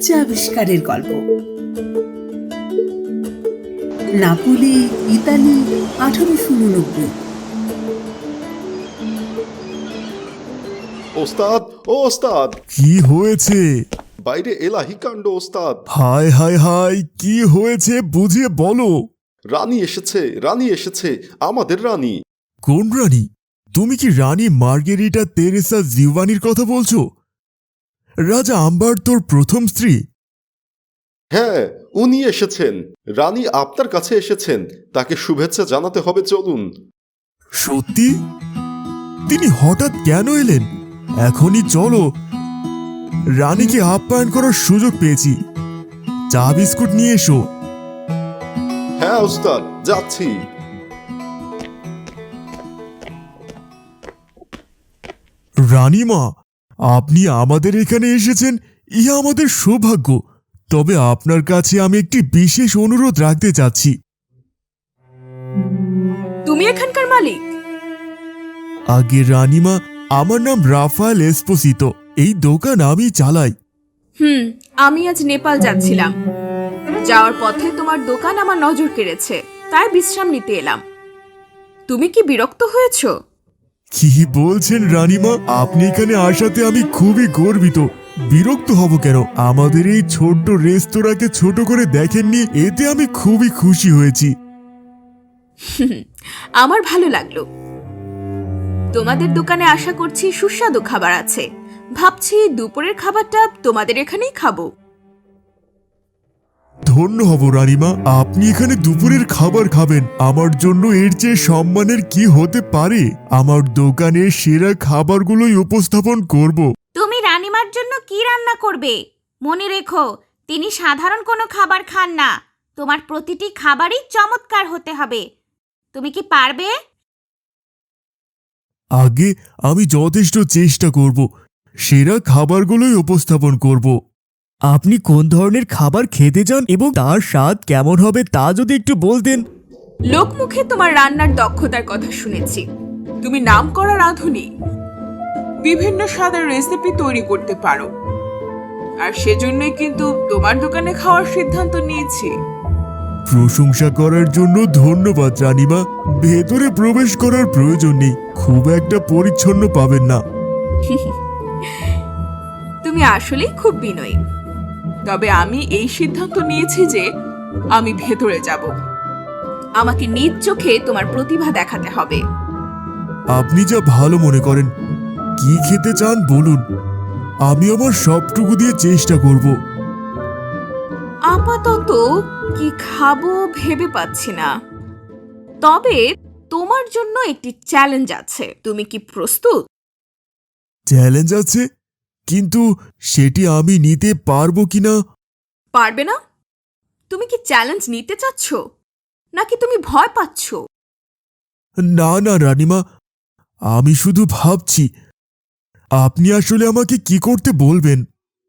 Pizza আবিষ্কারের গল্প। Napoli, Italy, 1889। ওস্তাদ, ও ওস্তাদ, কি হয়েছে? বাইরে এলাহি কাণ্ড ওস্তাদ। হায় হায় হায়, কি হয়েছে বুঝিয়ে বলো। রানী এসেছে, রানী এসেছে, আমাদের রানী। কোন রানী? তুমি কি রানী মার্গেরিটা তেরেসা জিওয়ানির কথা বলছো? রাজা আম্বার্তোর প্রথম স্ত্রী? হ্যাঁ, উনি এসেছেন। রানী আপনার কাছে এসেছেন, তাকে শুভেচ্ছা জানাতে হবে, চলুন। সত্যি? তিনি হঠাৎ কেন এলেন? এখনই চলো। রানীকে আপ্যায়ন করার সুযোগ পেয়েছি। চা বিস্কুট নিয়ে এসো। হ্যাঁ ওস্তাদ, যাচ্ছি। রানীমা, আপনি আমাদের এখানে এসেছেন, ইহা আমাদের সৌভাগ্য। তবে আপনার কাছে আমি একটি বিশেষ অনুরোধ রাখতে চাচ্ছি। তুমি এখানকার মালিক? আগে রানীমা, আমার নাম রাফায়েল এসপোসিতো। এই দোকান আমি চালাই। আমি আজ নেপাল যাচ্ছিলাম। যাওয়ার পথে তোমার দোকান আমার নজর কেড়েছে, তাই বিশ্রাম নিতে এলাম। তুমি কি বিরক্ত হয়েছো? কি বলছেন রানীমা? আপনি এখানে আসাতে আমি খুবই গর্বিত। বিরক্ত হব কেন? আমাদের এই ছোট্ট রেস্তোরাঁকে ছোট করে দেখেননি, এতে আমি খুবই খুশি হয়েছি। আমার ভালো লাগলো। তোমাদের দোকানে আশা করছি সুস্বাদু খাবার আছে। ভাবছি দুপুরের খাবারটা তোমাদের এখানেই খাবো। ধন্য হব রানীমা, আপনি এখানে দুপুরের খাবার খাবেন। আমার জন্য এর চেয়ে সম্মানের কি হতে পারে? আমার দোকানে সেরা খাবারগুলোই উপস্থাপন করব। তুমি রানীমার জন্য কি রান্না করবে? মনে রেখো, তিনি সাধারণ কোনো খাবার খান না। তোমার প্রতিটি খাবারই চমৎকার হতে হবে। তুমি কি পারবে? আগে আমি যথেষ্ট চেষ্টা করব। সেরা খাবারগুলোই উপস্থাপন করব। আপনি কোন ধরনের খাবার খেতে চান এবং তার স্বাদ কেমন হবে তা যদি একটু বলতেন। লোকমুখে তোমার রান্নার দক্ষতার কথা শুনেছি। তুমি নামকরা রাঁধুনি, বিভিন্ন স্বাদের রেসিপি তৈরি করতে পারো। আর সেজন্যই কিন্তু তোমার দোকানে খাওয়ার সিদ্ধান্ত নিয়েছি। প্রশংসা করার জন্য ধন্যবাদ রানীমা। ভেতরে প্রবেশ করার প্রয়োজন নেই, খুব একটা পরিচ্ছন্ন পাবেন না। তুমি আসলেই খুব বিনয়ী। তবে আমি এই সিদ্ধান্ত নিয়েছি যে আমি ভেতরে যাব। আমাকে নিজ চোখে তোমার প্রতিভা দেখাতে হবে। আপনি যা ভালো মনে করেন। কি খেতে চান বলুন, আমি আমার সবটুকু দিয়ে চেষ্টা করব। আপাতত কি খাবো ভেবে পাচ্ছি না। তবে তোমার জন্য একটি চ্যালেঞ্জ আছে। তুমি কি প্রস্তুত? চ্যালেঞ্জ আছে? কিন্তু সেটি আমি নিতে পারবো কিনা? পারবে না? তুমি কি চ্যালেঞ্জ নিতে চাচ্ছ, নাকি তুমি ভয় পাচ্ছ? না না রানীমা, আমি শুধু ভাবছি আপনি আসলে আমাকে কি করতে বলবেন।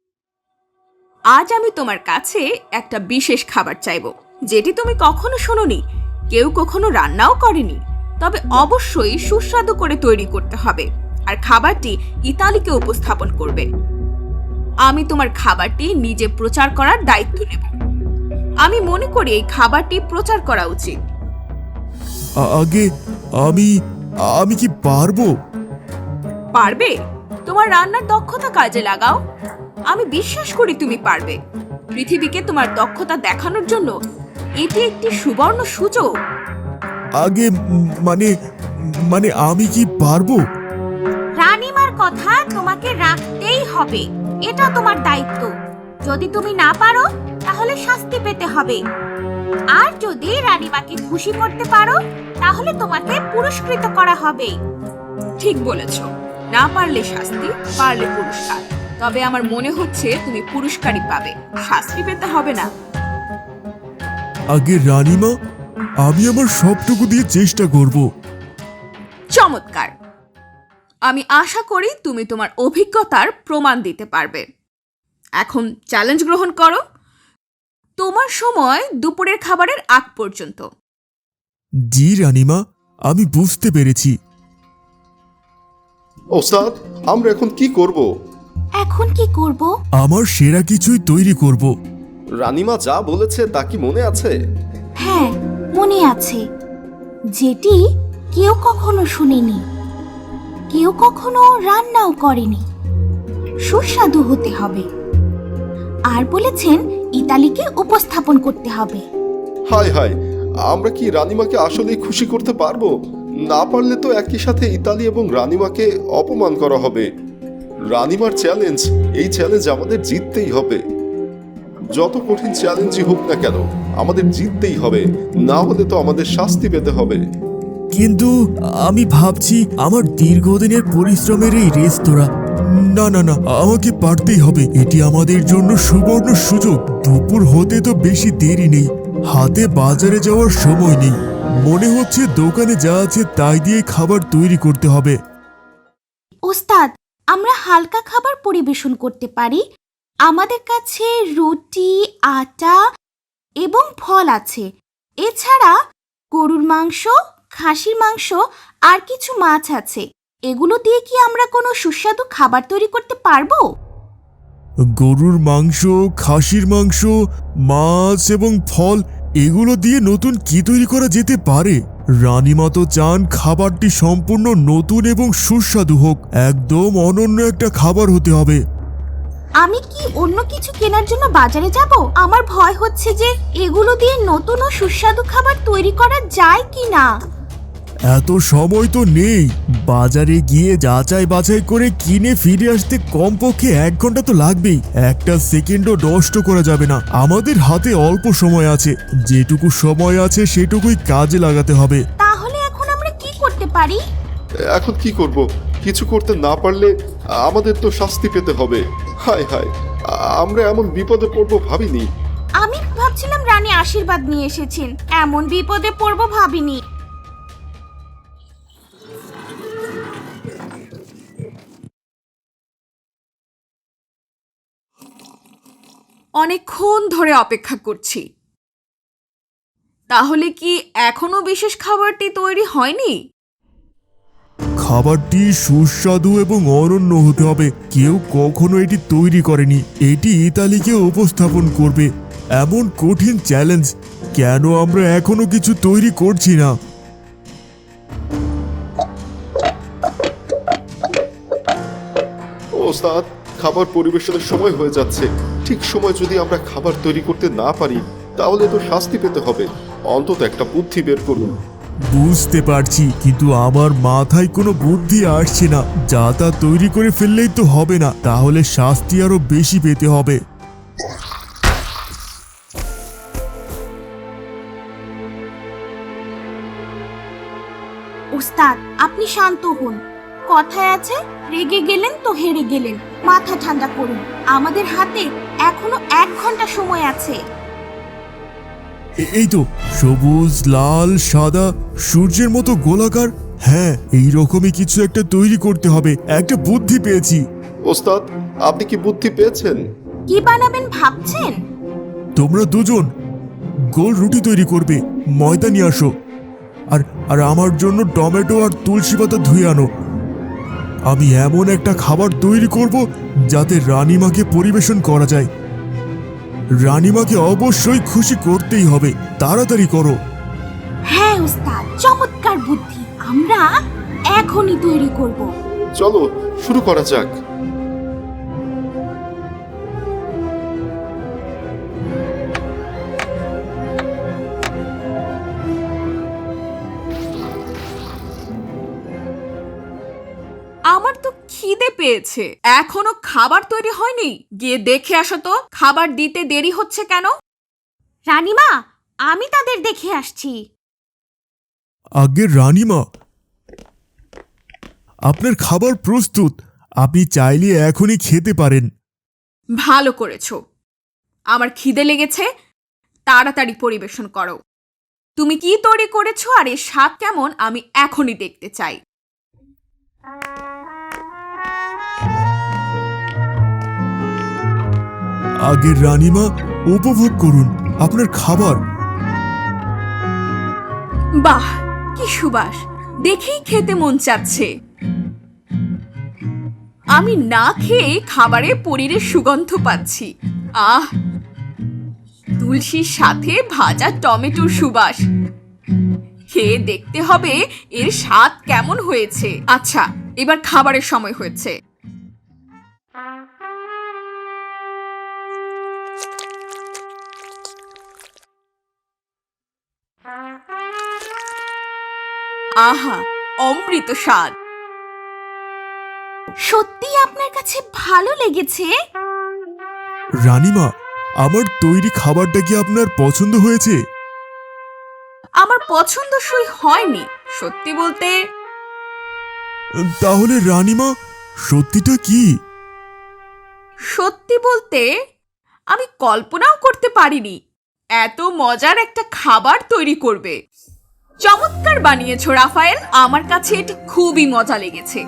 আজ আমি তোমার কাছে একটা বিশেষ খাবার চাইব, যেটি তুমি কখনো শোনোনি, কেউ কখনো রান্নাও করেনি। তবে অবশ্যই সুস্বাদু করে তৈরি করতে হবে, আর খাবারটি ইতালিকে উপস্থাপন করবে। আমি তোমার খাবারটি নিজে প্রচার করার দায়িত্ব নেব। আমি মনে করি এই খাবারটি প্রচার করা উচিত। আগে আমি আমি কি পারবো? পারবে? তোমার রান্নার দক্ষতা কাজে লাগাও। আমি বিশ্বাস করি তুমি পারবে। পৃথিবীকে তোমার দক্ষতা দেখানোর জন্য এটি একটি সুবর্ণ সুযোগ। আগে মানে মানে আমি কি পারবো? রানীমার কথা তোমাকে রাখতেই হবে, এটা তোমার দায়িত্ব। যদি তুমি না পারো তাহলে শাস্তি পেতে হবে। আর যদি রানীমাকে খুশি করতে পারো তাহলে তোমাকে পুরস্কৃত করা হবে। ঠিক বলেছ, না পারলে শাস্তি, পারলে পুরস্কার। তবে আমার মনে হচ্ছে তুমি পুরস্কারই পাবে, শাস্তি পেতে হবে না। আগে রানীমা, আমি আমার সবটুকু দিয়ে চেষ্টা করব। চমৎকার। আমি আশা করি তুমি তোমার অভিজ্ঞতার প্রমাণ দিতে পারবে। এখন চ্যালেঞ্জ গ্রহণ করো। তোমার সময় দুপুরের খাবারের আগ পর্যন্ত। জি রানীমা, আমি বুঝতে পেরেছি। ওস্তাদ, আমরা এখন কি করব? এখন কি করব? আমার সেরা কিছুই তৈরি করব। রানীমা যা বলেছে তা কি মনে আছে? হ্যাঁ, মনে আছে। যেটি কেউ কখনো শুনেনি, কেউ কখনো রান্নাও করেনি। সুস্বাদু হতে হবে। আর বলেছেন ইতালিকে উপস্থাপন করতে হবে। হায় হায়, আমরা কি রানীমাকে আসলেই খুশি করতে পারবো? না পারলে তো একই সাথে ইতালি এবং রানীমাকে অপমান করা হবে। রানীমার চ্যালেঞ্জ, এই চ্যালেঞ্জ আমাদের জিততেই হবে। যত কঠিন চ্যালেঞ্জই হোক না কেন, আমাদের জিততেই হবে, না হলে তো আমাদের শাস্তি পেতে হবে। কিন্তু আমি ভাবছি আমার দীর্ঘদিনের পরিশ্রমের এই রেস্তোরাঁ, না না না, আমাকে পারতেই হবে। এটি আমাদের জন্য সুবর্ণ সুযোগ। দুপুর হতে তো বেশি দেরি নেই, হাতে বাজারে যাওয়ার সময় নেই। মনে হচ্ছে দোকানে যা আছে তাই দিয়ে খাবার তৈরি করতে হবে। ওস্তাদ, আমরা হালকা খাবার পরিবেশন করতে পারি। আমাদের কাছে রুটি, আটা এবং ফল আছে। এছাড়া গরুর মাংস, খাসির মাংস আর কিছু মাছ আছে। এগুলো দিয়ে কি আমরা কোনো সুস্বাদু খাবার তৈরি করতে পারবো? গরুর মাংস, খাসির মাংস, মাছ এবং ফল, এগুলো দিয়ে নতুন কি তৈরি করা যেতে পারে? রানীমা তো চান খাবারটি সম্পূর্ণ নতুন এবং সুস্বাদু হোক। একদম অনন্য একটা খাবার হতে হবে। আমি কি অন্য কিছু কেনার জন্য বাজারে যাব? আমার ভয় হচ্ছে যে এগুলো দিয়ে নতুন ও সুস্বাদু খাবার তৈরি করা যায় কি না। এত সময় তো নেই। বাজারে গিয়ে যাচাই বাছাই করে কিনে ফিরে আসতে কমপক্ষে 1 ঘন্টা তো লাগবেই। একটা সেকেন্ডও নষ্ট করা যাবে না। আমাদের হাতে অল্প সময় আছে, যেটুকু সময় আছে সেটুকুই কাজে লাগাতে হবে। তাহলে এখন আমরা কি করতে পারি? এখন কি করব? কিছু করতে না পারলে আমাদের তো শাস্তি পেতে হবে। হায় হায়, আমরা এমন বিপদে পড়বো ভাবিনি। আমি ভাবছিলাম রানী আশীর্বাদ নিয়ে এসেছেন, এমন বিপদে পড়বো ভাবিনি। অনেকক্ষণ ধরে অপেক্ষা করছি। তাহলে কি এখনো বিশেষ খাবারটি তৈরি হয়নি? খাবারটি সুস্বাদু এবং অনন্য হতে হবে। কেউ কখনো এটি তৈরি করেনি। এটি ইতালিকে উপস্থাপন করবে। এমন কঠিন চ্যালেঞ্জ, কেন আমরা এখনো কিছু তৈরি করছি না? ওস্তাদ, খাবার পরিবেশনের সময় হয়ে যাচ্ছে। ঠিক সময় যদি আমরা খাবার তৈরি করতে না পারি, তাহলে তো শাস্তি পেতে হবে। অন্তত একটা বুদ্ধি বের করুন। বুঝতে পারছি, কিন্তু আমার মাথায় কোনো বুদ্ধি আসছে না। যা তা তৈরি করে ফেললেই তো হবে না, তাহলে শাস্তি আরো বেশি পেতে হবে। ওস্তাদ, আপনি শান্ত হন। কথায় আছে, রেগে গেলেন তো হেরে গেলেন। মাথা ঠান্ডা করুন। আমাদের হাতে এখনো 1 ঘন্টা সময় আছে। এই তো, সবুজ, লাল, সাদা, সূর্যের মতো গোলাকার। হ্যাঁ, এই রকমই কিছু একটা তৈরি করতে হবে। একটা বুদ্ধি পেয়েছি। ওস্তাদ, আপনি কি বুদ্ধি পেয়েছেন? কি বানাবেন ভাবছেন? তোমরা দুজন গোল রুটি তৈরি করবে। ময়দা নিয়ে আসো। আর আর আমার জন্য টমেটো আর তুলসী পাতা ধুয়ে আনো। আমি এমন একটা খাবার তৈরি করব যাতে রানীমাকে পরিবেশন করা যায়। রানীমাকে অবশ্যই খুশি করতেই হবে। তাড়াতাড়ি করো। হ্যাঁ ওস্তাদ, চমৎকার বুদ্ধি। আমরা এখনই তৈরি করব। চলো শুরু করা যাক। আমার তো খিদে পেয়েছে, এখনো খাবার তৈরি হয়নি। গিয়ে দেখে আসো তো, খাবার দিতে দেরি হচ্ছে কেন? রানীমা, আমি তাদের দেখে আসছি। আগে রানীমা, আপনার খাবার প্রস্তুত। আপনি চাইলে এখনই খেতে পারেন। ভালো করেছো। আমার খিদে লেগেছে, তাড়াতাড়ি পরিবেশন করো। তুমি কি তৈরি করেছো আর এর স্বাদ কেমন আমি এখনই দেখতে চাই। আগে রানীমা, উপভোগ করুন আপনার খাবার। বাহ, কি সুবাস! দেখেই খেতে মন চাচ্ছে। আমি না খেয়ে খাবারে পনিরের সুগন্ধ পাচ্ছি। আহ, তুলসীর সাথে ভাজা টমেটোর সুবাস। খেয়ে দেখতে হবে এর স্বাদ কেমন হয়েছে। আচ্ছা, এবার খাবারের সময় হয়েছে। আহা, অমৃত স্বাদ। সত্যি আপনার কাছে ভালো লেগেছে? রানীমা, আমার তৈরি খাবারটা কি আপনার পছন্দ হয়েছে? আমার পছন্দসই হয়নি, সত্যি বলতে। তাহলে রানীমা, সত্যিটা কি? সত্যি বলতে আমি কল্পনাও করতে পারিনি এত মজার একটা খাবার তৈরি করবে। চমৎকার বানিয়েছো রাফায়েল, আমার কাছে এটি খুবই মজা লেগেছে।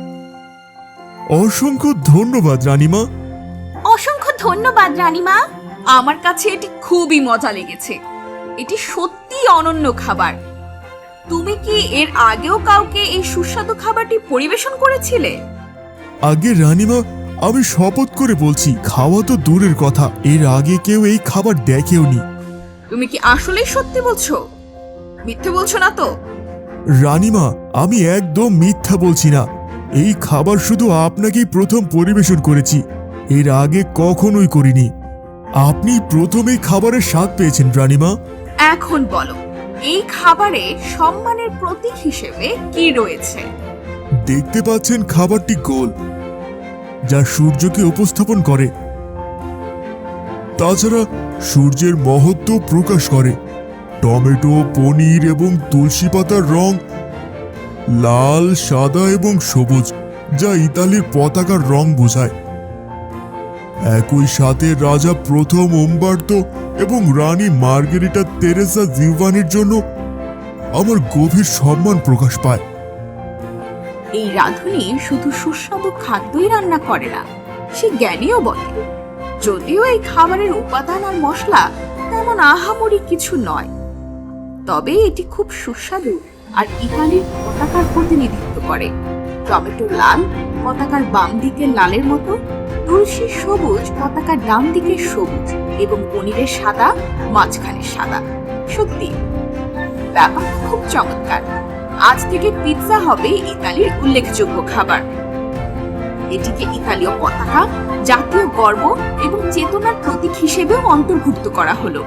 অসংখ্য ধন্যবাদ রানীমা। অসংখ্য ধন্যবাদ রানীমা। আমার কাছে এটি খুবই মজা লেগেছে। এটি সত্যি অনন্য খাবার। তুমি কি এর আগেও কাউকে এই সুস্বাদু খাবারটি পরিবেশন করেছিলে? আগে রানীমা, আমি শপথ করে বলছি, খাওয়া তো দূরের কথা, এর আগে কেউ এই খাবার দেখেওনি। তুমি কি আসলেই সত্যি বলছো? মিথ্যে বলছো না তো? রানীমা, আমি একদম মিথ্যা বলছি না। এই খাবার শুধু আপনাকেই প্রথম পরিবেশন করেছি, এর আগে কখনোই করিনি। আপনি প্রথমেই খাবারের স্বাদ পেয়েছেন রানীমা। এখন বলো, এই খাবারে সম্মানের প্রতীক হিসেবে কি রয়েছে? দেখতে পাচ্ছেন খাবারটি গোল, যা সূর্যকে উপস্থাপন করে। তাছাড়া সূর্যের মহত্ব প্রকাশ করে। টমেটো, পনির এবং তুলসী পাতার রং লাল, সাদা এবং সবুজ, যা ইতালির পতাকার রং বোঝায়। একই সাথে রাজা প্রথম উম্বার্তো এবং রানী মার্গেরিটা তেরেসা জিভানির জন্য আমার গভীর সম্মান প্রকাশ পায়। এই রাঁধুনি শুধু সুস্বাদু খাদ্যই রান্না করে না, সে জ্ঞানীও বটে। যদিও এই খাবারের উপাদান আর মশলা তেমন আহামরি কিছু নয়, তবে এটি খুব সুস্বাদু আর ইতালির পতাকার প্রতিনিধিত্ব করে। টমেটো লাল, পতাকার বাম দিকের লালের মতো, তুলসীর সবুজ, পতাকার ডান দিকের সবুজ, এবং পনিরের সাদা, মাঝখানে সাদা। সত্যি ব্যাপারটা খুব চমৎকার। আজ থেকে পিৎজা হবে ইতালির উল্লেখযোগ্য খাবার। এটিকে ইতালীয় পতাকা, জাতীয় গর্ব এবং চেতনার প্রতীক হিসেবেও অন্তর্ভুক্ত করা হলো।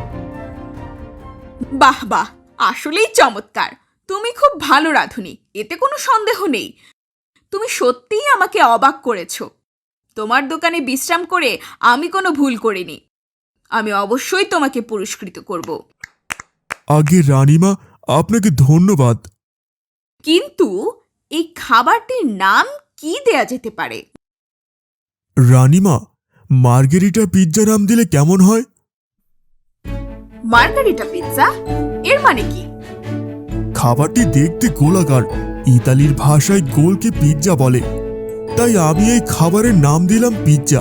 বাহ বাহ, আসলেই চমৎকার। তুমি খুব ভালো রাঁধুনি, এতে কোনো সন্দেহ নেই। তুমি সত্যিই আমাকে অবাক করেছো। তোমার দোকানে বিশ্রাম করে আমি কোনো ভুল করিনি। আমি অবশ্যই তোমাকে পুরস্কৃত করব। আগে রানীমা, আপনাকে ধন্যবাদ। কিন্তু এই খাবারটির নাম কি দেয়া যেতে পারে? রানীমা, মার্গেরিটা পিৎজা নাম দিলে কেমন হয়? মার্গারিটা পিৎজা, এর মানে কি? খাবারটি দেখতে গোলাকার, ইতালির ভাষায় গোলকে পিৎজা বলে, তাই আমি এই খাবারের নাম দিলাম পিৎজা।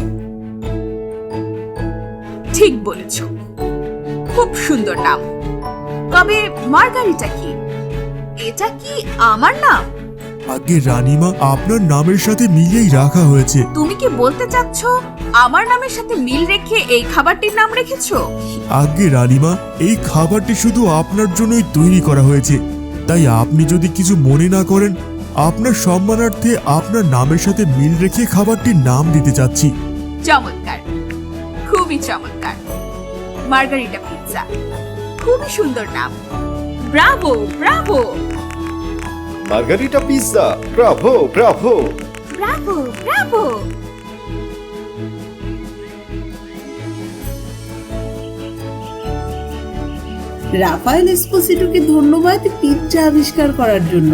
ঠিক বলেছ, খুব সুন্দর নাম। তবে মার্গারিটা কি? এটা কি আমার নাম? আগে রানীমা, আপনার নামের সাথে মিলিয়েই রাখা হয়েছে। তুমি কি বলতে চাচ্ছ আমার নামের সাথে মিল রেখে এই খাবারটির নাম রেখেছো? আগে রানীমা, এই খাবারটি শুধু আপনার জন্যই তৈরি করা হয়েছে, তাই আপনি যদি কিছু মনে না করেন, আপনার সম্মানার্থে আপনার নামের সাথে মিল রেখে খাবারটির নাম দিতে চাচ্ছি। চমৎকার, খুবই চমৎকার। মার্গারিটা পিৎজা, খুবই সুন্দর নাম। Bravo, bravo. Margherita pizza, bravo bravo. Bravo, bravo. Raffaele এসপোসিটোকে ধন্যবাদ পিৎজা আবিষ্কার করার জন্য।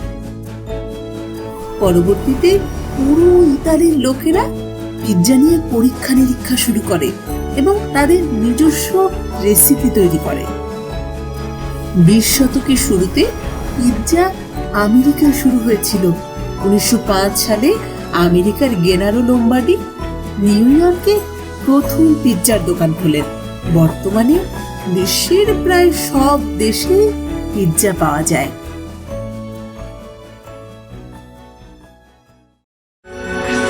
পরবর্তীতে পুরো ইতালির লোকেরা পিৎজা নিয়ে পরীক্ষা নিরীক্ষা শুরু করে এবং তাদের নিজস্ব রেসিপি তৈরি করে। 20 শতকের শুরুতে পিৎজা আমেরিকায় শুরু হয়েছিল। 1905 সালে আমেরিকার গেনারো লোম্বার্ডি নিউ ইয়র্কে প্রথম পিৎজার দোকান খোলেন। বর্তমানে বিশ্বের প্রায় সব দেশে পিৎজা পাওয়া যায়।